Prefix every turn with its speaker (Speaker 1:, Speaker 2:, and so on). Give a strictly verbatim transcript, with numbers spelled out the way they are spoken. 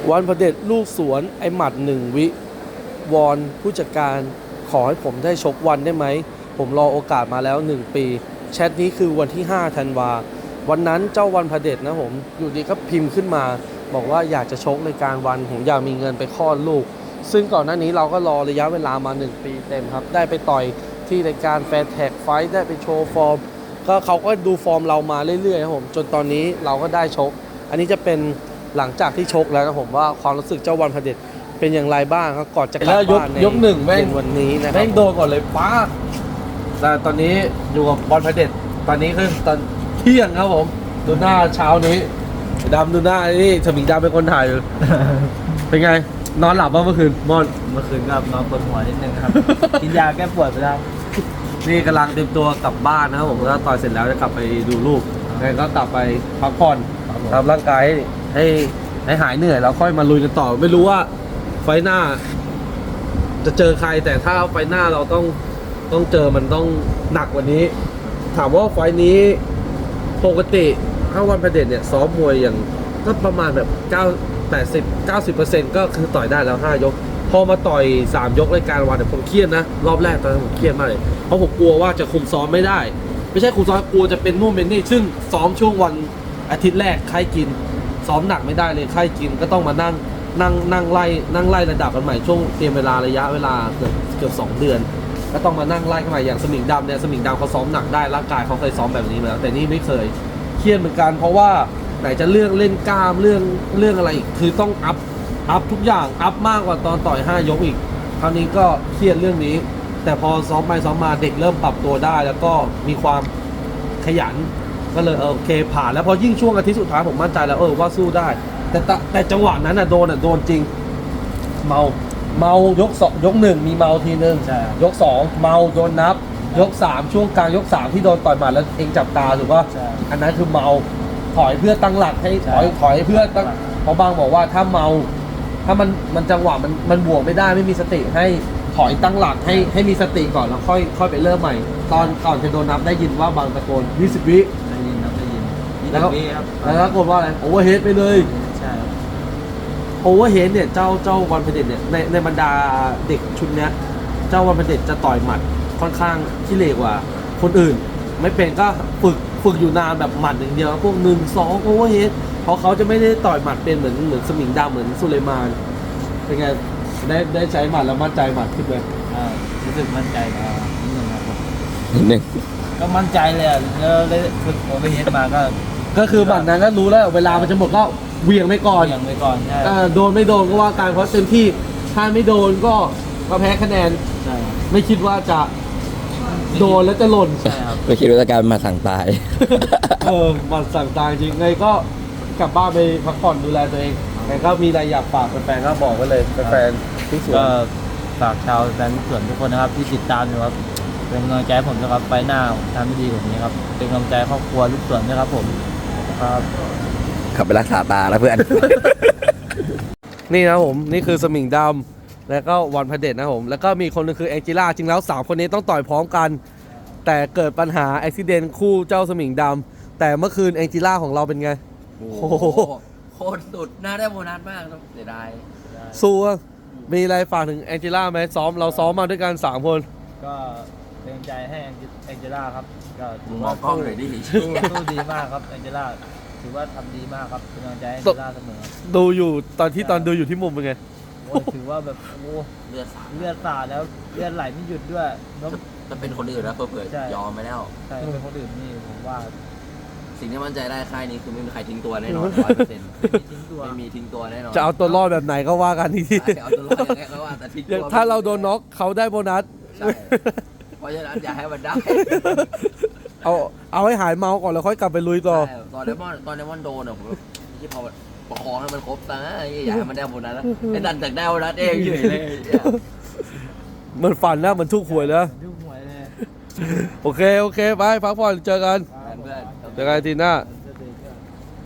Speaker 1: วันพเด็จลูกสวนไอหมัดหนึ่งวิวอนผู้จัดการขอให้ผมได้ชกวันได้ไหมผมรอโอกาสมาแล้วหนึ่งปีแชทนี้คือวันที่ห้าธันวาวันนั้นเจ้าวันพเด็จนะผมอยู่ดีก็พิมพ์ขึ้นมาบอกว่าอยากจะชกในการวันผมอยากมีเงินไปคลอดลูกซึ่งก่อนหน้านี้เราก็รอระยะเวลามาหนึ่งปีเต็มครับได้ไปต่อยที่รายการแฟร์แท็กไฟท์ได้ไปโชว์ฟอร์มก็เขาก็ดูฟอร์มเรามาเรื่อยๆครับผมจนตอนนี้เราก็ได้ชกอันนี้จะเป็นหลังจากที่ชกแล้วนะผมว่าความรู้สึกเจ้าวันพเด็จเป็นอย่างไรบ้างครับก่อนจะกลับบ้านในยกหนึ่งแม่งวันนี้นะครับแม่งโดนก่อนเลยป้าแต่ตอนนี้อยู่กับบอลพเด็จตอนนี้คือตอนเที่ยงครับผมดูหน้าเช้านี้ดำดูหน้านี่สมิงดำเป็นคนถ่ายอยู่ เป็นไงนอนหลับบ้างเมื่อคืนมอน
Speaker 2: เมื่อคืนก็นอนปวดหัวนิดนึงครับ กินยาแก้ปวดไปแล้ว
Speaker 1: นี่กำลังเตรียมตัวกลับบ้านนะครับผมถ้าต่อยเสร็จแล้วจะกลับไปดูลูกแล้วก็กลับไปพักผ่อนทำร่างกายให้ให้หายเหนื่อยแล้วค่อยมาลุยกันต่อไม่รู้ว่าไฟหน้าจะเจอใครแต่ถ้าไฟหน้าเราต้องต้องเจอมันต้องหนักกว่านี้ถามว่าไฟนี้ปกติถ้าวันพเด็จเนี่ยซ้อมมวยอย่างก็ประมาณแบบเก้า แปดสิบ เก้าสิบเปอร์เซ็นต์ ก็คือต่อยได้แล้วห้ายกพอมาต่อยสามยกรายการวันเนี่ยผมเครียดนะรอบแรกตอนนั้นผมเครียดมากเลยเพราะผมกลัวว่าจะคุมซ้อมไม่ได้ไม่ใช่คุมซ้อมกลัวจะเป็นนู่นเป็นนี่ซึ่งซ้อมช่วงวันอาทิตย์แรกไข้กินซ้อมหนักไม่ได้เลยไข้กินก็ต้องมานั่งนั่งนั่งไล่นั่งไล่ระดับกันใหม่ช่วงเตรียมเวลาระยะเวลาเกือบเกือบสองเดือนก็ต้องมานั่งไล่กันใหม่อย่างสมิงดำเนี่ยสมิงดำเขาซ้อมหนักได้ร่างกายเขาเคยซ้อมแบบนี้มาแล้วแต่นี่ไม่เคยเครียดเหมือนกันเพราะว่าไหนจะเรื่องเล่นกล้ามเรื่องเรื่องอะไรอีกคือต้องอัพอัพทุกอย่างอัพมากกว่าตอนต่อยห้ายกอีกคราวนี้ก็เครียดเรื่องนี้แต่พอซ้อมไปซ้อมมาเด็กเริ่มปรับตัวได้แล้วก็มีความขยันก็เลยโอเคผ่านแล้วพอยิ่งช่วงอาทิตย์สุดท้ายผมมั่นใจแล้วเออว่าสู้ได้แต่แต่จังหวะนั้นอ่ะโดนอ่ะโดนจริงเมาเมายกสองยกหนึ่งมีเมาทีนึงยกสองเมาโดนนับยกสามช่วงกลางยกสามที่โดนต่อยหมัดแล้วเองจับตาถูกป่ะอันนั้นคือเมาถอยเพื่อตั้งหลักให้ถอยถอยเพื่อตั้งเพราะบางบอกว่าถ้าเมาถ้ามันมันจังหวะมันมันบวกไม่ได้ไม่มีสติให้ถอยตั้งหลักให้ให้มีสติก่อนแล้วค่อยค่อยไปเริ่มใหม่ตอนก่อนจะโดนนับได้ยินว่าบางตะโกนยี่สิบวิ
Speaker 2: ได้ยินครับได้ยิน
Speaker 1: แล้วแล้วตะโกนว่าอะไรโอเวอร์เฮดไปเลย
Speaker 2: ใช่
Speaker 1: โอเวอร์เฮดเนี่ยเจ้าเจ้าวันพเด็จเนี่ยในในบรรดาเด็กชุดเนี้ยเจ้าวันพเด็จจะต่อยหมัดค่อนข้างขี้เหร่กว่าคนอื่นไม่เป็นก็ฝึกฝึกอยู่นานแบบหมัดอย่างเดียวพวกหนึ่งสองโอเวอร์เฮดเพราะเขาจะไม่ได้ต่อยหมัดเป็นเหมือนเหมือนสมิงดำเหมือนสุเลมานเป็นไงได้ได้ใช้หมัดแล้วมั่นใจหมัดขึ้นไหม
Speaker 2: อ่ารู้สึกมั่นใจอ่านิดนึงครับ
Speaker 3: นิดนึง
Speaker 2: ก็มั่นใจเลยอ่ะแล้วได้ฝึกโอเวอร์เฮดมาก็
Speaker 1: ก็คือหมัดนั้นก็รู้แล้วเวลามันจะหมดก็เวียงไปก่อน
Speaker 2: เวียงไปก่อนใช่
Speaker 1: โดนไม่โดนก็ว่าการเพราะเต็มที่ถ้าไม่โดนก็ก็แพ้คะแนน
Speaker 2: ใช่
Speaker 1: ไม่คิดว่าจะโดนแล้วจะหล่น
Speaker 2: ใช่ครับ
Speaker 3: ไม่คิดว่าจะกลายมาสั่งตาย
Speaker 1: เออมันสั่งตายจริงไงก็กลับบ้านไปพักผ่อนดูแลตัวเองไงก็มีอะไรอยากฝากแฟนๆก็บอกไว้เลยแฟนๆที่สวน
Speaker 2: ก็ฝากชาวแฟนสวนทุกคนนะครับที่ติดตามอยู่ครับเป็นกำลังใจผมนะครับไปหน้าทำให้ดีแบบนี้ครับเป็นกำลังใจครอบครัวลูกสวนนะครับผมครับ
Speaker 3: ขับไปรักษาตาแล้วเพื่อน
Speaker 1: นี่นะผมนี่คือสมิงดำแล้วก็วันพเด็จนะผมแล้วก็มีคนนึงคือแองจิล่าจริงแล้วสามคนนี้ต้องต่อยพร้อมกันแต่เกิดปัญหาอุบิเหตุคู่เจ้าสมิงดำแต่เมื่อคืนแองจิล่าของเราเป็นไง
Speaker 3: โอ้โหโคตรสุดน่าได้โบนัสมากเสียดาย
Speaker 1: สู้มีอะไรฝากถึงแองจิล่าไหมซ้อมเราซ้อมมาด้วยกันสามคน
Speaker 2: ก็เป็นใจให้แองจิล่าครับก็
Speaker 3: ถือว่าสู้ดี
Speaker 2: สู้ดีมากครับแองจิล่าถือว่าทำดีมากครับเป็นกำลังใจให้แองจิล่าเสมอ
Speaker 1: ดูอยู่ตอนที่ตอนดูอยู่ที่มุมเป็นไง
Speaker 2: โอ้ถือว่าแบบโอ้
Speaker 3: เลือดสาด
Speaker 2: เลือดสาดแล้วเลือดไหลไม่หยุดด้วย
Speaker 3: จะเป็นคนอื่นแล้วเผื่อยอมไปแล้ว
Speaker 2: ใช่เป็นคนอื่นนี่ผมว่า
Speaker 3: สิ่งที่มั่นใจได้ค่ายนี้คือไม่มีใครทิ้งตัวแน่นอนร้อยเปอร์เซ็นต์ไม่มีทิ้งตัวแน่นอน
Speaker 1: จะเอาตัวรอดแบบไหนก็ว่ากันที่
Speaker 3: เอาตัวรอดยังไงก็ว่าแต่ทิ้งตัว
Speaker 1: ถ้าเราโดนน็อกเขาได้โบนัส
Speaker 3: เพราะฉะนั้นอย่าให้มันได้
Speaker 1: เอาเอาให้หายเมาก่อนแล้วค่อยกลับไปลุยต่อ
Speaker 3: ตอนเดมอนตอนเดมอนโดนอ่ะผมที่พอประคองให้มันครบตาอย่าให้มันได้โบนัสแล้วไอ้ดันจากได้โบนัสเองเฉยเลย
Speaker 1: มันฝันนะมันทุกหวยแล้วโอเคโอเคไปพักผ่อนเจอกันเจอกันทีหน้า